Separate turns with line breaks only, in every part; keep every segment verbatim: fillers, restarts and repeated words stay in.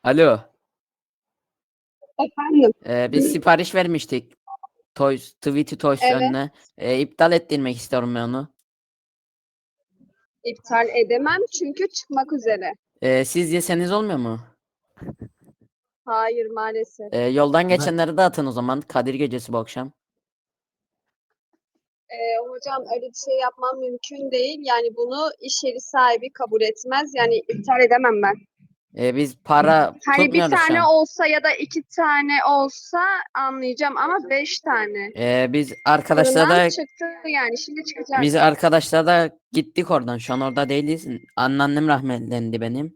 Alo.
Efendim?
Ee, biz sipariş vermiştik. Toys, Tweety Toys
Evet.
önüne. Ee, iptal ettirmek istiyorum ben onu.
İptal edemem çünkü çıkmak üzere.
Ee, siz yeseniz olmuyor mu?
Hayır maalesef.
Ee, yoldan geçenleri de atın o zaman. Kadir Gecesi bu akşam.
Ee, hocam öyle bir şey yapmam mümkün değil. Yani bunu iş yeri sahibi kabul etmez. Yani iptal edemem ben.
Ee, biz para
Hani bir
tutmuyoruz şu
tane
an.
olsa ya da iki tane olsa anlayacağım ama beş tane.
Ee, biz arkadaşlar
Fırından
da
çıktı yani şimdi çıkacak.
biz arkadaşlar da gittik oradan. Şu an orada değiliz. Anneannem rahmetlendi benim.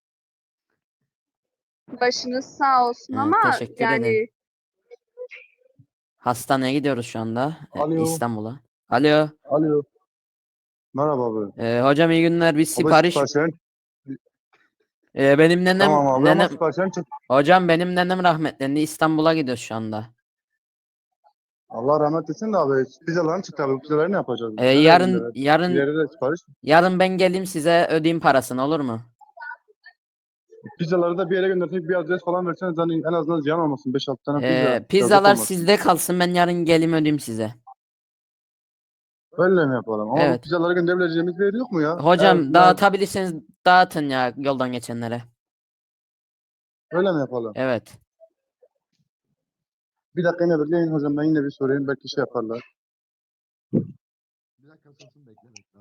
Başınız sağ olsun
Ee,
ama
teşekkür ederim.
yani
Hastaneye gidiyoruz şu anda. Ee,
Alo.
İstanbul'a. Alo.
Alo. Merhaba abi.
Ee, hocam iyi günler. Biz
Abi
sipariş...
siparişlerin.
Ee, benim nenem...
Tamam abi ama
nenem...
siparişlerin çık.
Hocam benim nenem rahmetlendi. İstanbul'a gidiyoruz şu anda.
Allah rahmet etsin de abi. Pizzaların çıktı abi. Pizzaları ne yapacağız?
Ee,
Nereye
yarın
gönderelim? Bir
yarın
yere de sipariş.
yarın ben geleyim size ödeyeyim parasını olur mu?
Pizzaları da bir yere göndersek bir adres falan verseniz hani en azından ziyan olmasın. beş altı tane pizza.
Ee,
yazık
pizzalar
olmasın.
sizde kalsın ben yarın geleyim ödeyeyim size.
Öyle mi yapalım? Ama bu
Evet.
pizzaları gönderebileceğimiz bir yer yok mu ya?
Hocam
Eğer, eğer
dağıtabilirseniz dağıtın ya yoldan geçenlere.
öyle mi yapalım?
Evet.
Bir dakika yine bekleyin hocam ben yine bir sorayım. Belki şey yaparlar. Bir dakika sorsun bekle bekle.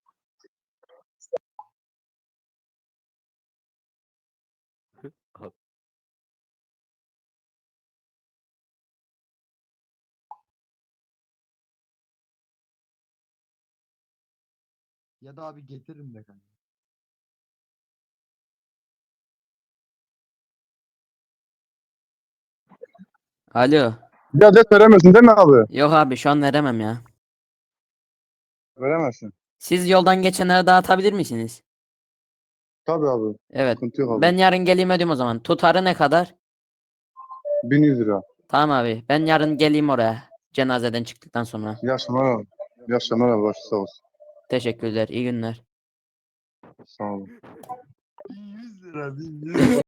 Ya da abi getiririm de kanka.
Alo.
Bir adres veremezsin değil mi abi?
Yok abi şu an veremem ya.
Veremezsin.
Siz yoldan geçenlere dağıtabilir misiniz?
Tabii abi.
Evet.
Sıkıntı yok
Ben
abi.
yarın geleyim ödeyeyim o zaman. Tutarı ne kadar?
bin yüz lira.
Tamam abi. Ben yarın geleyim oraya. Cenazeden çıktıktan sonra.
İyi akşamlar abi. İyi akşamlar abi. Başı sağ olsun.
Teşekkürler. İyi günler.
Sağ olun. bin yüz lira bin yüz.